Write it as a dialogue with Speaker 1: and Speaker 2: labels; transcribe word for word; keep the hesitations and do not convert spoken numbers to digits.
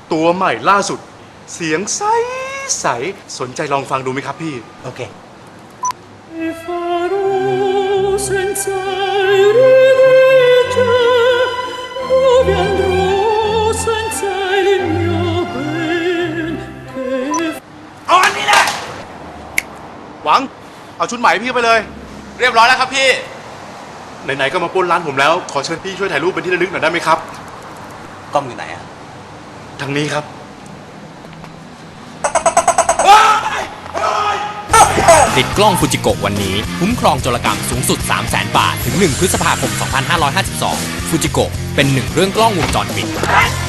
Speaker 1: ตัวใหม่ล่าสุดเสียงใสใสสนใจลองฟังดูไหมครับพี่
Speaker 2: โอเค
Speaker 1: เอาอันนี้แหละหวังเอาชุดใหม่พี่ไปเลย
Speaker 3: เรียบร้อยแล้วครับพี่
Speaker 1: ไหนๆก็มาปล้นร้านผมแล้วขอเชิญพี่ช่วยถ่ายรูปเป็นที่ระลึกหน่อยได้ไหมครับ
Speaker 2: กล้องอยู่ไหนอ่ะ
Speaker 1: ทางนี้ครับ
Speaker 4: ติดกล้องฟูจิโกะวันนี้คุ้มครองโจรกรรมสูงสุด สามแสน บาทถึงหนึ่งพฤษภาคมสองพันห้าร้อยห้าสิบสองฟูจิโกะเป็นหนึ่งเรื่องกล้องวงจรปิด